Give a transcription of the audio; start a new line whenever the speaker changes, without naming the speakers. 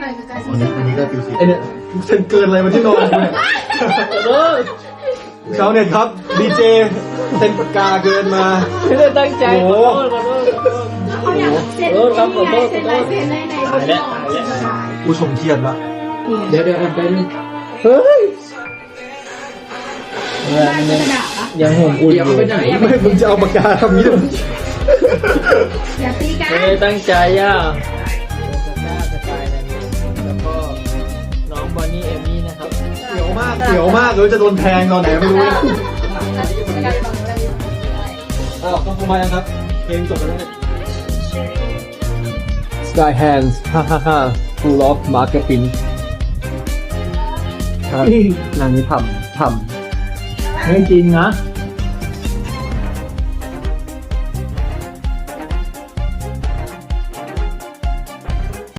น่อยคือการ
อันนี้ก็ฟิวสิไอเนี่ยฉันเกินอะไรมาที่นอนกูเนี่ยชาวเน็ตครับดีเจเซ็นปากกาเกินมา
ไม่ได้ตั้งใจขอโทษ
เขาอยากเซ็นเซ็นลายเซ็นในบนหลอด
ผู้ชมเครียดละ
เดี๋ยวอันไปนึง
เฮ้ย
ยังห่วงอุ่นอยู่ไปไหน
ไม่มึงจะเอาปากกาทำนี้เลย
อย่าตีกัน
ไม่ได้ตั้งใจอ่ะสกายนันแล้วก็น้องบอนนี่เอมี่นะครับ
เสียวมากเสียวมากเลยจะโดนแทงตอนไหนไม่รู้นะอ้าวต้องทำไมครับเพลงจบไปแล้วเนี่ย
Sky Hands ฮ่าฮ่าฮ่า Full of Marketing
ครับนางนี้ทำ
ไม่จริงนะ